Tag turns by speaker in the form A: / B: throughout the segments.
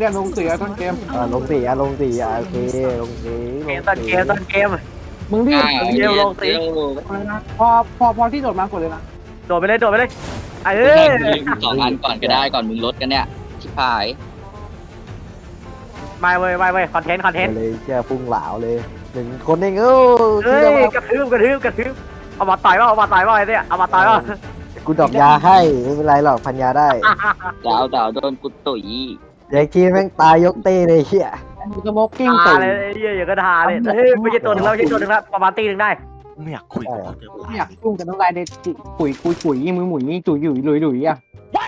A: เนี่ยลงเสียต้นเกม
B: ลงสี่โอเคลงสี่
C: ต้นเกม
A: มึงรีบ
C: เร็วลงสิ
A: พอที่โดดมากดเลยนะ
C: โดดไปเลยเอ
D: สองอันก่อนก็ได้ก่อนมึงลดกันเนี่ยชิบหาย
C: ไม่เว้ยคอนเทนต์
B: เลยเชี่ยพุ่งเหลาเลย1 คนเอง
C: เฮ้ยกระทืบเอามาต่อยว่าไอ้เนี่ยเอามาต่อยว่า
B: กูดอกยาให้ไม่เป็นไรหรอกพันยาได้
D: ดาวโดนกูตุ๋ย
B: เด็กทีแม่งตายยกเต้เลยเฮีย
A: มึงสโมกกิ้ง
C: ตา
A: ตื่น
C: เลยเหี้ยอย่างก็ทาเลยเฮ้ยไม่ใช่ตัวหนึ่งแล้วประมาณตีหนึ่งได้
E: ไม่อยากคุยกับเขาเดี๋ยว
A: ไม่อยากยุ่งกับน้องลายเด็ดปุ๋ยมือหมุนนี่จุ๋ยหลุยอ่ะ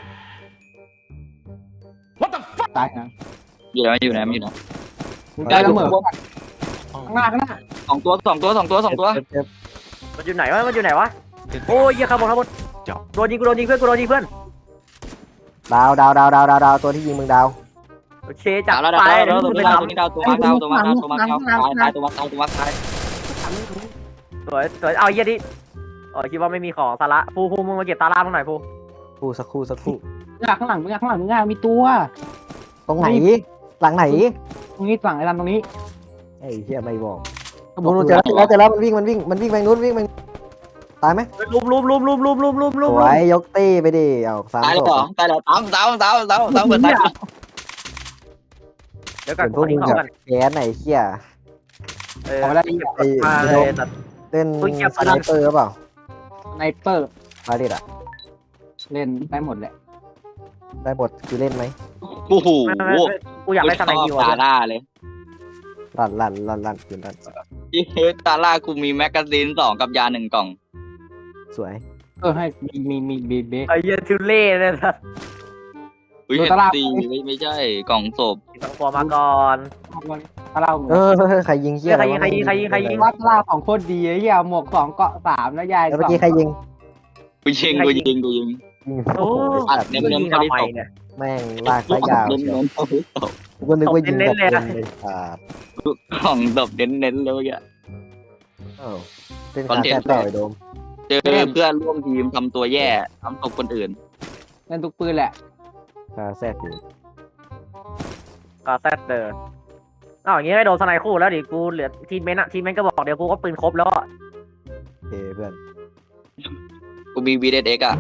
A: ตายนะ
D: อยู่นะ
A: มึงใจละเมอข้างหน้า
D: สองตัว
B: เจ็บ
C: มันอยู่ไหนวะโอ้ยเหี้ยข้างบนโดนยิงเพื่อน
B: ดาวตัวที่ยิงมึงดาว
C: โอเคจับ
D: ดาว
C: ไป
D: ตัวนี้ดาวตัวมาตาย
C: สวยเอาเยี่ยดิคิดว่าไม่มีของสาระฟูมึงมาเก็บตาล่ามึงหน่อยฟู
B: คู่สักครู่
A: ข้างหลังมึงมีตัว
B: ตรงไหนหลังไหน
A: ตรงนี้ฝั่งไอ้ลำตรงนี้
B: ไอ้เฮียไม่บอกนู้นเจอแล้วมันวิ่งไปนู้นวิ่งไปตายไหม
C: ลุม
B: สวยยกเต้ไปดิเอา3
D: ตายแล้วตายแล้วเปิดตาย
C: เดี๋ยวก่อน
B: พวกมึงแบบแค้นไหนเฮีย
A: เอาไปได้
B: ไอ้เล่นสไนเปอร์หรือเปล่า
A: ไนเปอร์
B: บาดิดอะ
A: เล่นได้หมดแหละ
B: ได้บทคือเล่นไหม
D: โอ้โห
C: กูอยากได้สไนด์ดีวะ
D: ตาล่าเลย
B: ลั่นคืนลั่น
D: ตาล่ากูมีแมกกาซีน2กับยา1กล่อง
B: สวย
A: ให้มีเบส
C: ไอ้เหี้ยทุเล่เนี่ยนะ
D: อุ้ยเห็นตีไม่ใช่กล่องศพ
C: สองตัวมาก่อน
A: ถ้าเรา
B: ใครยิงเชี่ย
C: ใครยิง
A: ว่าถ้าเราของโคตรดีไอ้เหี้ยหมวก2เกาะ3แล้วยาย
B: แล้วเมื่อกี้ใครยิง
D: กูยิง
C: โอ้ยิงทำไมเนี่ย
B: แม่งลากสายยาว
D: เน้น
B: กูนึกว่ายิงแบบเลยขาด
D: กล่องศพเน้นเลยอ่ะ
B: เป็นขาแค่ต่อยโดม
D: เจอเพื่อนร่วมทีมทำตัวแย่ทำศพคนอื่น
A: เล่นทุกปืนแหละ
B: ขาแซดอยู่
C: ก็แซดเดอร์อย่างงี้ไม่โดนสไนคู่แล้วดิกูเหลือทีมเมนก็บอกเดี๋ยวกูก็ปืนครบแล้ว
B: โอเคเพื่อน
D: กูมี VDX อ่ะ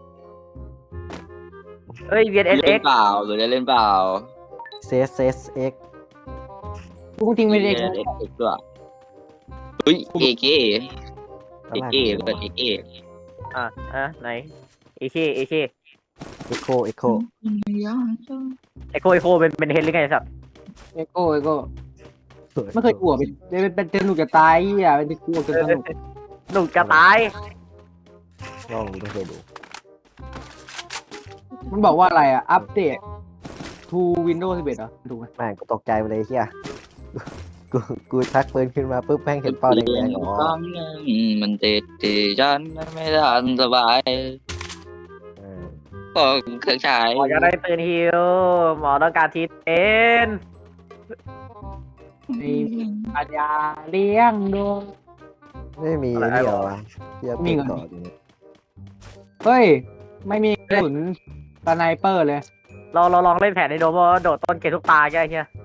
C: เฮ้ย
D: เล่นเปล่าหรือเล่นเปล่า
B: เซส
A: กูจริงไม่ได้
D: VDX ด้วยเฮ้ย AK เปิด AK
C: ไหนเอเค
B: เอ็กโค
C: เอโคเป็นเฮดหรือไงสับ
A: เอโก้ไม่เคยกลัวเป็นสนุกจะตายอ่ะเป็นกลัวจนสนุก
C: หนุ่มจะตาย
B: ลองดูเคยดู
A: มันบอกว่าอะไรอ่ะอัปเดต to Windows 11เหรอถูกไหม
B: แม่งกูตกใจไปเลยเชี่ยกูชักปืนขึ้นมาปุ๊บแม่งเห็นเป้าแดงๆอ๋อ
D: มันเตะฉันไม่ทันสบายก็เครื่องฉาย
C: หมอจะได้ปืนฮิวหมอต้องการทีเอ็น
A: ในปัญญาเลี้ยงดู
B: ไม่มีนี่เหรอวะเชี่ยปืนต่อจริง
A: เฮ้ยไม่มีกระสุนสไนเปอร์เลย
C: เราลองเล่นแผนในโดมว่าโดดต้นเกทุกตาแกเฮีย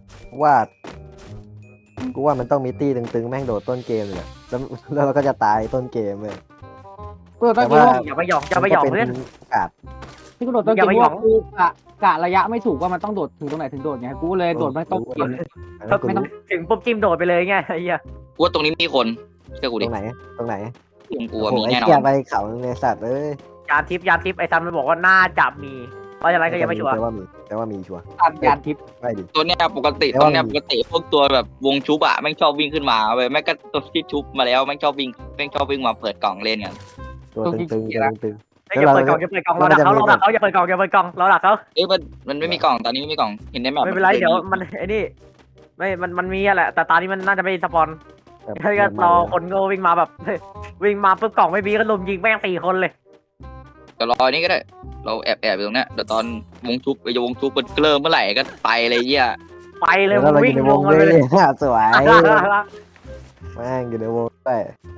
B: กูว่ามันต้องมีตี้ตึงๆแม่งโดดต้นเกมเลยแล้วเราก็จะตายต้นเกมเลย
A: กูโดดต้นเกม
C: อย่าไปหยองเพื่อน
B: กาด
A: ที่กูโดดต้นเกมว่ากูกะระยะไม่ถูกว่ามันต้องโดดถึงตรงไหนถึงโดดไงกูเลยโดดไม่ต้องเกม
C: ไม่ต้องถึงปุ๊บจิ้มโดดไปเลยไงไอ้เหี้ย
D: กูว่าตรงนี้มีคนเชื่อกู
B: ต
D: ดิ
B: รงไหน
D: กูมีแน่นอ
B: เชี่ย
D: น
B: ไปเขาในสัตว์เอ้ย
C: ยานทิพย์ไอ้ซัมมันบอกว่าน่าจะมีเพราะฉะนั้นก็ยังไม่ชัวร์
B: แต่ว่ามีชัวร์
A: ตัดยานทิพย์
B: ไม่ดิ
D: ตัวเนี้ยปกติพวกตัวแบบวงชุบอะแม่งชอบวิ่งขึ้นมาเว้ยแม่งก็ตัวที่ชุบมาแล้วแม่งชอบวิ่งมาเปิดกล่องเล่นกัน
B: ตัวตึง
C: อย่าเปิดกล่องเราดักเขาอย่าเปิดกล่องเราดักเขา
D: เอ้ยมันไม่มีกล่องตอนนี้ไม่มีกล่องเห็นได้ไหม
C: ไม่เป็นไรเดี๋ยวมันไอ้นี่ไม่มันมีแหละแต่ตอนนี้มันน่าจะไม่สปอนถ้าก็รอคนก็วิ่งมาแบบวิ่งมาปุ๊บกล่องไม่มีก็ลุมยิงแม่ง4 คนเลย
D: จะรอนี่ก็ได้เราแอบอยู่ตรงเนี้ยเดี๋ยวตอนวงชุบมันเริ่มเมื่อไหร่ก็ไปเลยเยี่ย
C: ไปเลย
B: แล้วเรา
C: วิ่
B: อยู่
C: ง
B: ในว
C: ล
B: ง
C: ง
B: เล
C: ไปเลย
B: ยสวยแม่งอยู่ในวงไป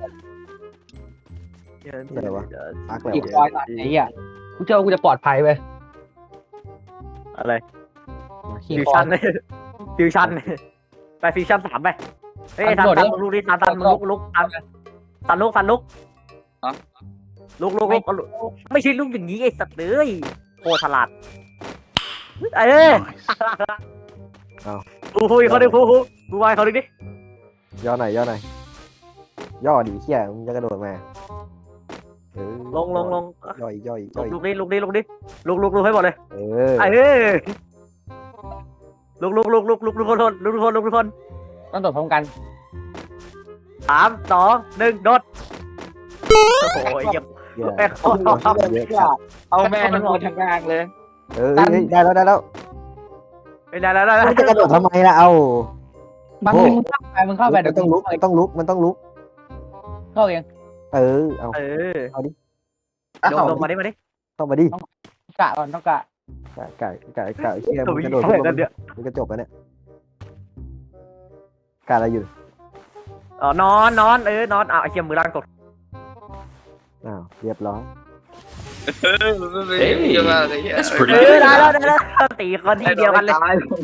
B: พักแล้ว
A: อีกร้อยตัดไอ้เหี้ยกูเจอกูจะปลอดภัยไป
C: อะไร
A: ขี่
C: ฟิว
A: คอ
C: ชั่นเลยฟิวชั่นไปฟิวชั่น3ไปเฮ้ยซันมึงลุกดิซันมึงลุกซันลุกลุกไม่ใช่ลุกอย่างนี้ไอ้สัตว์เลยโคตรฉลาดคุยเขาดิคุยวายเขาดิ
B: ย่อหน่อยย่อดิเหี้ยมึงจะกระโดดมา
C: ลง
B: ย่อย
C: ลุกดิลุกให้หมดเลยลุกทุกคน
A: ต้องโดดพร้อมกัน
C: 3 2 1โดดโอ้ยเยี่ยม
D: เอาแม่ทั้งหมดทั้งกลางเลย
B: ได้แล้ว
C: ได้
B: มึงจะกระโดดทำไมล่ะเอา
A: บางทีมึงเข้าไปเดี๋ยว
B: ต้องลุก
A: เข้าเอง
B: เอาดิ
C: ลงมาดิ
B: เข้ามาดิ
A: กะก่อนต้องกะ
B: เชี่ยมึงกระโดดมึงจะจบแล้วเนี่ยกะอะไรอยู่
C: นอนนอนไอ้เชี่ยมือล่างกด
B: เรียบร้อย
C: ได้แล้วตีคนที่เดียวกันเลย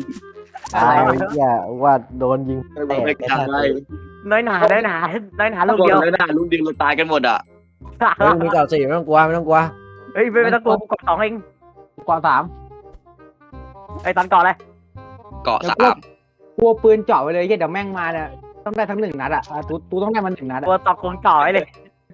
B: ว่าโดนยิงแตก
C: น้อยหนาลูกเดียว
D: ลูกเดียวเราตายกันหมดอ่ะ
B: มึงเก่า4ไม่ต้องกลัว
C: เฮ้ยไม่ต้องกลัวกด2เอง
A: กด3
C: ไอ้ตันเกาะอะไร
D: เกาะ3
A: กลัวปืนเจาะไปเลยเดี๋ยวแม่งมาเนี่ยต้องได้ทั้ง1 นัดอ่ะตูต้องได้มัน1 นัด
C: กลัวตอกคงเจาะเลย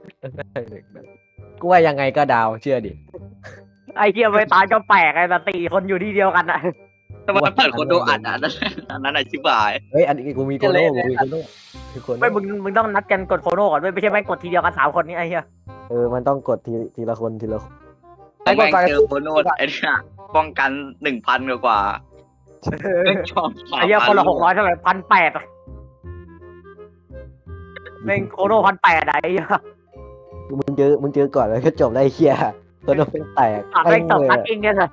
B: กูว่ายังไงก็ดาวเชื่อดิ
C: ไอ้เหี้ยไม่ตายก็แปลกไอ้ตีคนอยู่ที่เดียวกันอ่ะ
D: ทำไมเปิดคนโดอัดนั้นอธิบาย
B: อันนี้กูมีโคโน่
C: ไม่มึงต้องนัดกันกดโคโน่ก่อนด้วยไม่ใช่แม่งกดทีเดียวกัน3 คนนี้ไอ้เหี้ย
B: มันต้องกดทีละคน
D: ไอ้แม่งเจอโคโน่ไอ้เนี่ยป้องกัน 1,000 กว่า
C: ไอ้เหี้ยคนละ600เท่าไหร่1,800แม่งโคโน่1,800ไอ้เหี้ย
B: มึงเจอก่อนแล้วก็จบได้เหี้ยตัวน้องเป็นแตก
C: แม่งตบทักเองเนี่ย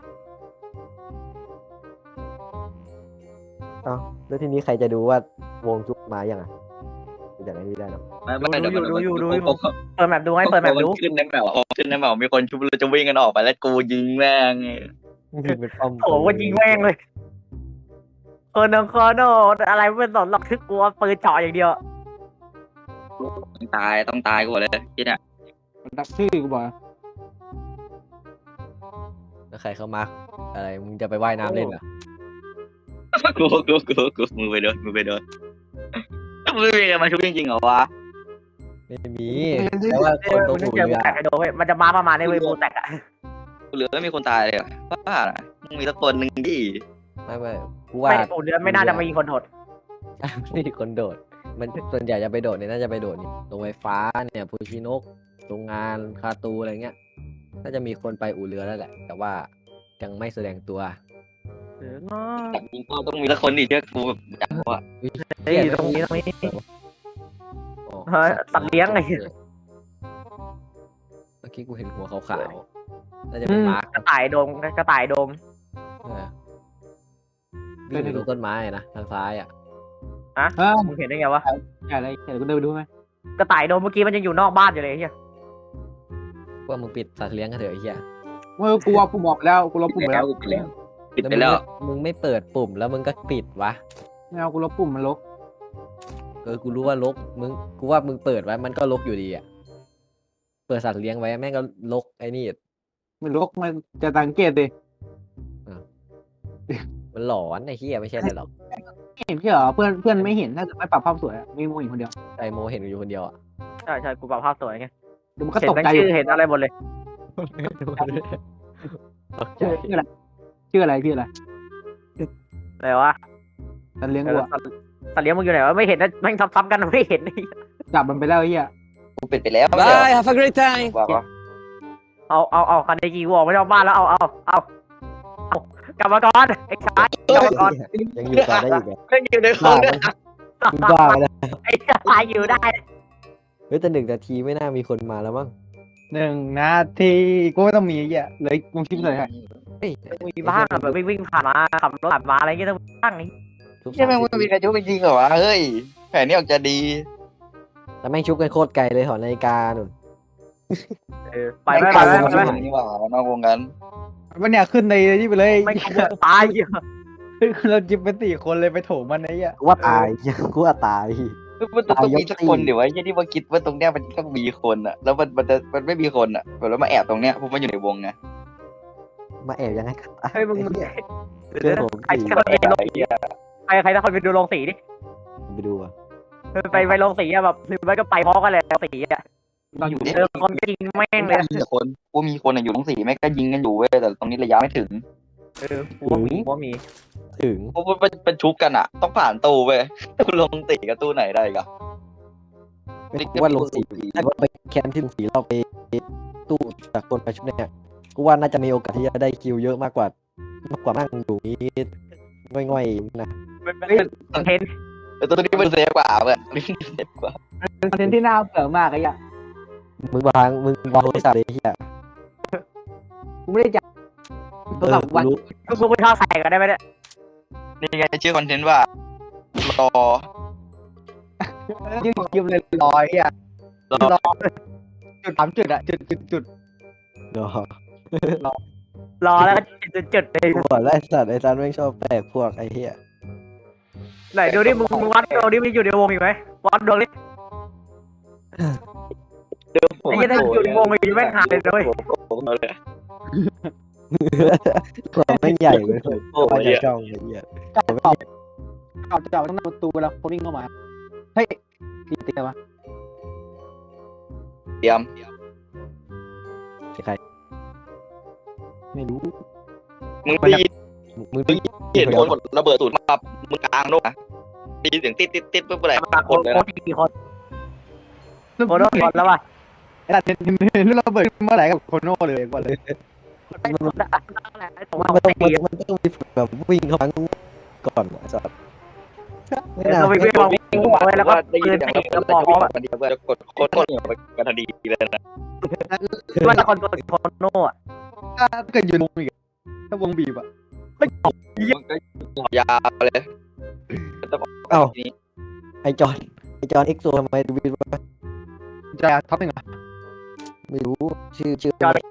B: แล้วทีนี้ใครจะดูว่าวงชุบมาอย่างอย่างนี้ได้หรอ
C: ดูเปิดแมปดูให้เปิดแมปดู
D: ขึ้นในแมปมีคนชุบเราจะวิ่งกันออกไปแล้วกูยิงแม่ง
C: โอ้ก็ยิงแม่งเลยโนอะไรไม่สนหรอกคือกลัวปืนเจาะอย่างเดียว
D: ต้องตายกูเลยที่เนี่ย
A: ดักชื่อกูบอก
B: แล้วใครเข้ามาอะไรมึงจะไปว่ายน้ำเล่นเหรอ
D: กูมือไปโดนไม่มีมาชุบจริงๆเหรอวะ
B: ไม่มีแต่ว่าคนตัวหนู
C: เนี่ยมันจะมาประมาณในเวบูแตกอะ
D: เหลือไม่มีคนตายเลยบ้ามีสักคนหนึ่งดิ
B: ไม่กูว่า
C: เดือนไม่น่าจะมีคนโดด
B: ไม่มีคนโดดมันส่วนใหญ่จะไปโดดเนี่ยน่าจะไปโดดนี่ตรงไฟฟ้าเนี่ยพูชินกโรงงานคาตูอะไรเงี้ยน่าจะมีคนไปอู่เรือแล้วแหละแต่ว่ายังไม่แสดงตัว
D: ต้องมีสักคนดิเชื่อกูแบบจังว่า
C: ตรงนี้ตัดเลี้ยงไง
B: เมื่อกี้กูเห็นหัวขาวๆน่าจะเป็นม้าก
C: ระต่ายโดม
B: วิ่งอยู่ต้นไม้นะทางซ้าย
C: มึงเห็นได้ไงวะ
A: อะไรเดี๋ยวกูเดินไปดูไหม
C: กระต่ายโดมเมื่อกี้มันยังอยู่นอกบ้านอยู่เลยเฮีย
B: ว่ามึงปิดสัตว์เลี้ยงกันเถอะไอ้เหี้ย
A: กูว่ากูบอกแล้วกูลบปุ่มแล้ว
D: ปิดไปแล้ว
B: มึงไม่เปิดปุ่มแล้วมึงก็ปิดวะ
A: ไม่เอากูลบปุ่มมันลก
B: กูรู้ว่าลกกูว่ามึงเปิดไว้มันก็ลกอยู่ดีอ่ะเปิดสัตว์เลี้ยงไว้แม่งก็ลกไอ้นี่
A: มันลกมันจะสังเกตดิ
B: มันหลอนไอ้เหี้ยไม่ใช่เลยหรอก
A: เห็นเหรอเพื่อนไม่เห็นถ้าไม่ปรับภาพสวยมีโมเห็นคนเดียว
B: ไอโมเห็นอยู่คนเดียวอ่ะ
C: ใช่กูปรับภาพสวยไง
A: เดี๋ยวมันก็ตกใจ
C: เห็นอะไรหมดเลย
A: ชื่ออะไร
C: อะไรวะ
A: สัตว์เลี้ยงกู
C: สัตว์เลี้ยงมึงอยู่ไหนวะไม่เห็นนะแม่งทับกันไม่เห็น
A: จับมันไปแล้วไอ้เหี้ย
D: กูปิดไปแล้ว
B: Bye have a great time
C: เอาคันเดกีวออกไม่ได้บ้านแล้วเอากลับมาก่อนไอ้ชายกลับมาก่อน
B: ยังอยู่ต่อได้อีก
D: อยู่ในห้องเนี่ย
B: บ้าเลย
C: ไอ้ชายอยู่ได้
B: แต่1 นาทีไม่น่ามีคนมาแล้วมั้ง
A: 1 นาทีกูไม่ต้องมีไอ้เหี้ยเลยวงคลิปเลยฮะ
C: มีบ้างแบบวิ่งผ่านมาขับรถผ่านมาอะไรเงี้ยต้องบ้างนี่
D: ใช่ไหมมึงมีใครชุบจริงเหรอวะเฮ้ยแผนนี้ออกจะดี
B: แต่แม่งชุบกันโคตรไกลเลยหอนาฬิกาหนุน
C: ไปนี่
D: ว่านอกวงกัน
A: วันเนี้ยขึ้นในนี่ไปเลย
C: ไม่ตาย
A: เราจิบเป็น4 คนเลยไปโถมมันไอ้เหี้ย
B: กูว่าตายกูว่าตาย
D: มันต้องมีสักคนเดี๋ยวไอ้ที่มาคิดว่าตรงเนี้ยมันต้องมีคนอ่ะแล้วมันไม่มีคนอ่ะแล้วมาแอบตรงเนี้ยเพราะมันอยู่ในวงไง
B: มาแอบยังไงกัน
C: เฮ้ยมึง
B: เรื่องผม
C: ใครจะไปลงสีใครถ้าคนไปดูลงสีดิ
B: ไปดูอ่ะ
C: ไปลงสีอะแบบหรือไม่ก็ไปพร้อมกันเลยสีอะ
A: ตอนอยู่
C: คนก็ยิงแม่งเลย
D: มีแต่คนกูมีคนอยู่ตรงสี่แม่งก็ยิงกันอยู่เว้ยแต่ตรงนี้ระยะไม่ถึง
C: กูว่ามี
B: ถึง
D: เพราะว่าเป็นชุบกันอ่ะ ต้องผ่านตู้เว้ยกูลงตีกับตู้ไหนได้กัน
B: ไม่กูว่าลงสีถ้าไปแคมป์ที่ลงสีเราไปตู้จากคนไปชุดเนี่ยกูว่าน่าจะมีโอกาสที่จะได้คิวเยอะมากกว่านั่งอยู่นี้ง่อยๆนะ
C: เป็นคอนเทนต์
D: แต่ตัวนี้มันเซฟกว่าเว้ยตัวนี้เซฟกว่า
A: เป็นคอนเทนต์ที่น่าเบื่อมากไอ้เหี้ย
B: มึงวางโทรศัพท์เลยเฮีย
A: กูไม่ได้จับตัวกับวัน
B: รู้
C: กูไปท่าใส่กันได้ไหมเนี่ย
D: นี่ไงชื่อคอนเทนต์ว่ารอ
A: ยืมเลยรอยเหี้ยรอจุด 3 จุดอะจุด
B: เดี๋ยว
C: รอแล้วก็จุดเลย
B: กูบอกแล้วไอ้สัตว์แม่งชอบแปลกพวกไอ้เหี้ย
C: ไหนดูดิมึงวัดดูดิมันอยู่ในวงอีกไหมวัดดวงดิไอ้ยี่ถ้าอยู่ในวงมันอยู่แม่งหายเลยนะเว้ย
B: ความแม่งใหญ่เลยว่าจะช่องไอ้เหี้ย
A: ๆจับต้องหน้าประตูเวลาคนวิ่งเข้ามาเฮ้ยตีตีวะ
D: เตรียม
B: ใคร
A: ไม่รู้
D: มึงได้ยิน
B: มึง
D: เห็นคนระเบิดตูดมามึงกลางโลกนะได้ยินเสียงติดปุ๊บอะไร
C: มาคนเลยนะกี่คนคนแล้วป่ะ
A: ไอ้หลักเห็นเราเบิดเมื่อไหร่กับโคโน่เลยก่อนเลย
B: มันต้องมีแบบวิ่งเข้ามาก่อนไอ้สัตว์ไม่น่า
C: เราไปวางไว้แล้วก็
D: ได้ยิ
C: ปื
D: น
C: น
D: เสียง
C: ใส่กระบอกอ่ะ
D: มันเดียวจะกดโคตรไปกันทันทีเลยนะ
C: ว่าละคนตัวคนโน่อะ
A: ถ้าเกิดอยู่วงอีกถ้าวงบีบอะ
D: มันก็ยาวเลย
B: เอ้าไอจอนเอ็กโซทำไมดูวิวะ
A: จะท็อป1อะ
B: ไม่รู้ชื่อ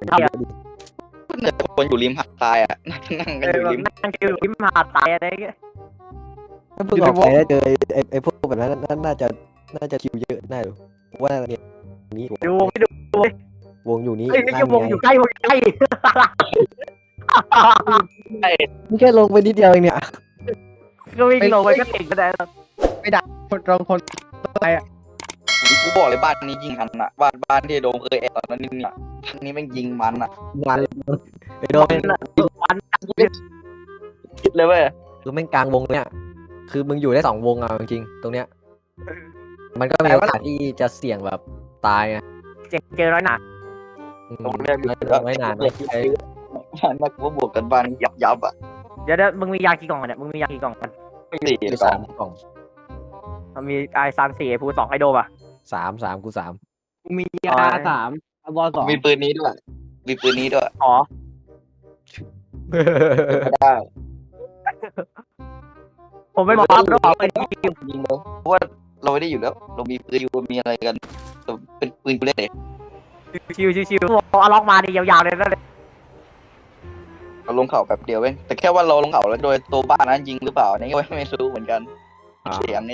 D: คนอยู่ริมหาดทรายอ่ะนั่งกันอยู่ริม
C: นั่งอยู่ริมหาดตายอะไรเงี้ย
B: ถ้าเพิ่งออกไปแล้วเจอไอพวกแบบนั้นน่าจะคิวเยอะแน่เลยว่าเนี่ยนี้
C: ดูไม่ดู
B: วงอยู่นี้
C: เฮ้ยนี่วงอยู่ใกล้วงใกล้
B: นี่แค่ลงไปนิดเดียวเองเนี่ย
C: ก็วิ่งลงไปก็ติดก็ได้
A: คนอะไรอะ
D: กูบอกเลยบ้านนี้ยิงกันอ่ะบ้านที่โดมเคยแอบตอนนั้นนี่อ่ะทางนี้แม่งยิงมันอ่ะ
B: มันไอโดน
C: วัน
D: คิดเลยเว้ย
B: คือแม่งกลางวงเนี่ยคือมึงอยู่ได้2 วงอ่ะจริงๆตรงเนี้ยมันก็มีโอกาสที่จะเสี่ยงแบบตายไง
C: เจอร้อยหนา
D: ตรงเนี้ย
B: ไม่นาน
D: เลยบ้านนักว่าบวกกันบ้านยับอ่ะ
C: เดี๋ยวมึงมียากี่กล่องเนี่ยมึงมียากี่กล่องกัน
D: ไม่ดี
B: คือ
D: สอง
B: 3 กล่อง
C: มันมีไอซัน4ไอพู2ไอโดป่ะ
B: 3 กู 3
A: มียา3บอล2
D: มีปืนนี้ด้วยมีปืนนี้ด้วย
C: อ๋อ
D: ได้
C: ผมไม่บอกว่าต้องเอาไปยิง
D: ยิงเลยเพราะว่าเราไม่ได้อยู่แล้วเรามีปืนอยู่มีอะไรกันเป็นปืนกูเล่นเลย
C: ชิวเอาล็อกมาดิยาวๆเลยนั่นเลย
D: เราลงเขาแบบเดียวเว้ยแต่แค่ว่าเราลงเขาแล้วโดยตัวบ้านนั้นยิงหรือเปล่าอันนี่ก็ไม่รู้เหมือนกันเสียงเนี่ย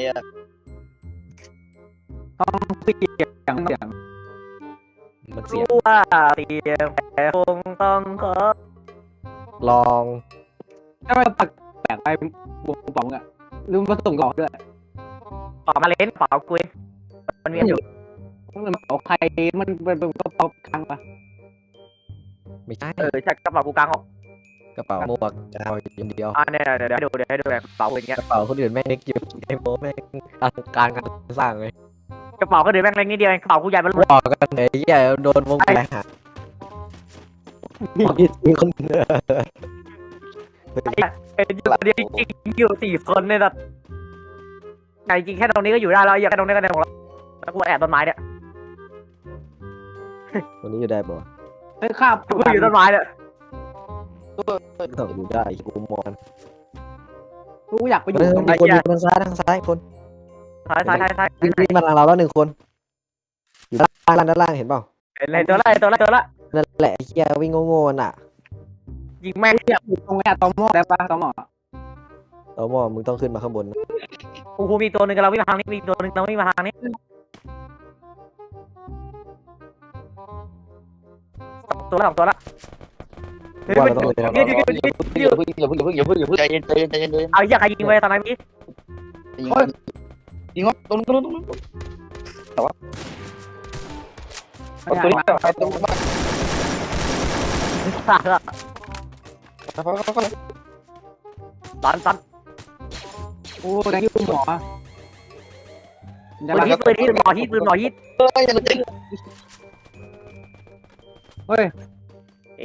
A: เสียง
B: มันเสีย
C: รู้ว่าเสียงแต่คงต้องขอ
B: ลอง
A: ถ้ามันแปลกไปวงป๋องอะลืมมาส่งหลอกด้วย
C: เป่ามาเล่นเป่ากุยมันมีอยู่
A: มันเป๋าใครมันเป็นกระเป๋าคลังปะ
B: ไม่ใช่
C: ใช่กระเป๋ากูกลางออก
B: กระเป๋าหมวกเอาอย่างเดียว
C: เนี่ยเดี๋ยวให้ดูกระเป๋าอย่างเงี้ย
B: กระเป๋าคนอื่นแม่งเล็กอยู่ไอ้โมแม่งการสร้างเลย
C: กระเป๋าก็เดือแม่งเล็กนิดเดียวกระเป๋ากูใหญ่มัน
B: บอกกันไอ้เหี้ยโดนวงแหหามีคน
C: เป็นอยู่จริงอยู่4 คนเนี่ยแบบไหนจริงแค่ตรงนี้ก็อยู่ได้แล้วอย่าแค่ตรงนี้ก็ได้ของเราแล้วกูแอบต้นไม้เนี่ย
B: วันนี้จะได้ป่ะ
A: เฮ้ยข้า
C: กูอยู่ต้นไม้เนี่ย
B: ต้องอยู่ได้กูมอน
A: กูอยากไปอยู่
B: มี
A: ตรงไหน
B: คนอยู่ทางซ้ายคน
C: ท้าย
B: วิ่งมาทางเราแล้ว1 คนอยู่ด้านล่างเห็นเปล่า
C: เลยตัวละ
B: นั่นแหละไอ้เหี้ยวิ่งโง่ๆน่ะ
C: ยิงแม่ง
A: อยากอยู่ตรงไหนตอมอได้ปะตอมอ
B: เอาหม้อมึงต้องขึ้นมาข้างบนนะ
C: กูมีตัวหนึ่งกำลังวิ่งมาทางนี้มีตัวหนึ่งกำลังวิ่งมาทางนี้สองตัวละเฮ้ย
B: ว่า
C: มัน
B: เราต้องเลยนะ
C: ยืด
D: อย่าเพิ่งใจเย็น
C: เอาอย่าใครยิงไปตอนไหนพี่
D: ยิงวะตรงนู้นตัวนี้ไปตรงนู้น
C: สัตว์ตัน
A: โอ้แดงยูหมอจะ
C: ปื
A: มาน
C: ฮิตหมอฮิต
D: อย่าหลุด
A: เฮ้ย
C: เอ๋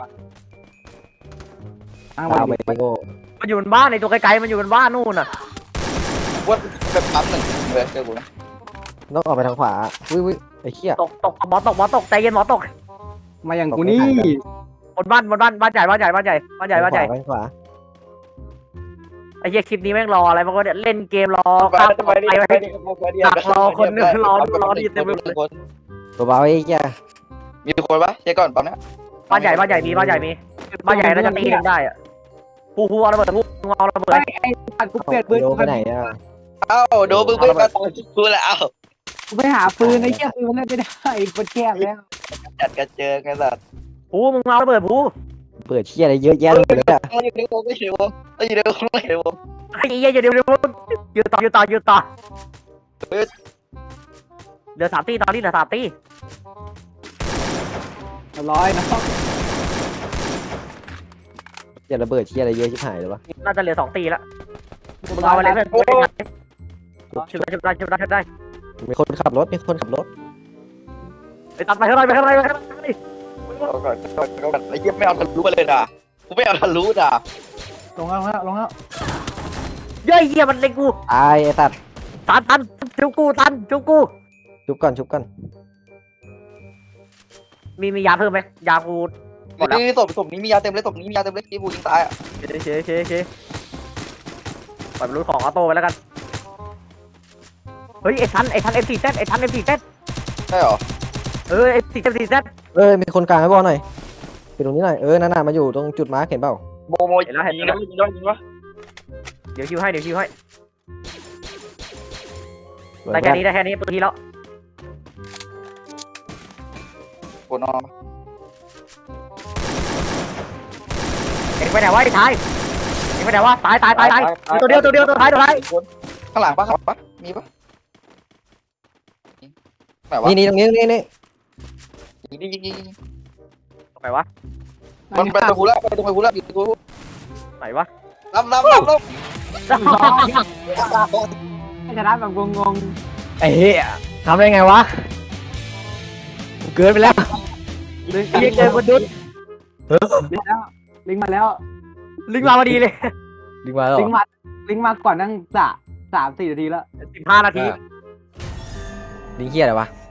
A: อ้าง
B: เอาไป
A: ไป
B: โง่
C: มันอยู่บนบ้านในตัวไกลๆมันอยู่บนบ้านนู่นน่ะ
D: ว่าแบบปั๊มหนึ่งเลยเจอกูนะ
B: ต้องออกไปทางขวาวิไอ้เหี้ย
C: ตกหมอตกใจเย็นหมอตก
A: มาอย่างกูนี่
C: บนบ้านใหญ่
B: ทางขวา
C: ไอ้เหี้ยคลิปนี้แม่งรออะไรมันก็เนี่ยเล่นเกมรอข้ามไปรอดีเต็มไปหมดเลย
B: เบาๆไอ้เหี้ย
D: มีคนปะเช็คก่อนปั๊มเนี้ย
C: บ้านใหญ่มีบ้านใหญ่น่าจะตีหนึ่งได้อะผู้เอาระเบิดผู้เอาระเบิด
A: ไอ้ตัดกูเปลี่ยนปืน
B: โดไปไหนอ่ะ
D: เอ้าโดนมึงไปมาตอนกูแล้วเอ้า
A: กูไปหาปืนไอ้เหี้ยปืนมันเล่นไม่ได้มันแคบแล้ว
D: จัดกันเจอกันสัตว์
C: ผู้มึงเอาระเบิดผู้
B: เปิดเหี้ยอะไรเยอะแยะเลยอ่ะ
D: อยู่ในวงอยู่ในวง
C: ไอ้เหี้ยเดี๋ยวยืนต่อเหลือ3 ตีตอนนี้เหลือ3 ตี
A: ร้อยนะ
B: อย่าระเบิดเหี้ยอะไรเยอะชิบหายเลยวะ
C: น่าจะเหลือ2 ตีแล้วมึงเอาอะไรเพื่อนชุบได้
B: มีคนขับรถ
C: ไปตัดไปเท่าไร
D: ไอ้เหี้ยไม่เอาทะลุมาเลยนะกูไม่เอาทะลุนะ
A: ลงแล้ว
C: เย้ยเหี้ยมันเล็งกู
B: ตายไอ้สัตว์
C: ตันชุบกู
B: ชุบก่อน
C: มียาเพิ่มไหมยากู
D: นี่ศพนี้มียาเต็มเลยศพนี้มียาเต็มเลยที่กูยิงตายอ่ะ
C: เชปล่อยมันรู้ของออโต้ไปแล้วกันเฮ้ยไอ้ทัน F4Z
D: ใช่หรอ
C: F4Z
B: มีคนกลางให้บอลหน่อยไปตรงนี้หน่อยนั่นน่ะมาอยู่ตรงจุดมาร์คเห็นเปล่า
D: โมยิงวะ
C: เดี๋ยวคิวให้ได้แค่นี้ปืนทีแล้ว
D: กดนอน
C: เอ็งไปไหนวะไอ้ชายเอ็งไปไหนวะตายตัวเดียวตัวท้าย
D: ข้างหลังปะมีปะไหนวะ
B: นี่ตรงนี้
D: ยิง
C: ไหนวะ
D: มันไปตรงกูแล้วอยู่กู
C: ไหนวะ
D: รับ
A: ให้ชนะแบบงง
B: ไอ้เหี้ยทำได้ไงวะเกินไปแล้ว
A: ๆลิง
C: เรียกเจอบนดุษ
A: ลิงมาแล้ว
C: ลิงมาพอดีเลย
B: ดึงมาแล้ว
A: ลิงมาก่อนนั่ง3-4 นาทีแล้ว
C: 15 นาที
B: ลิงเหี้ยอะไรวะ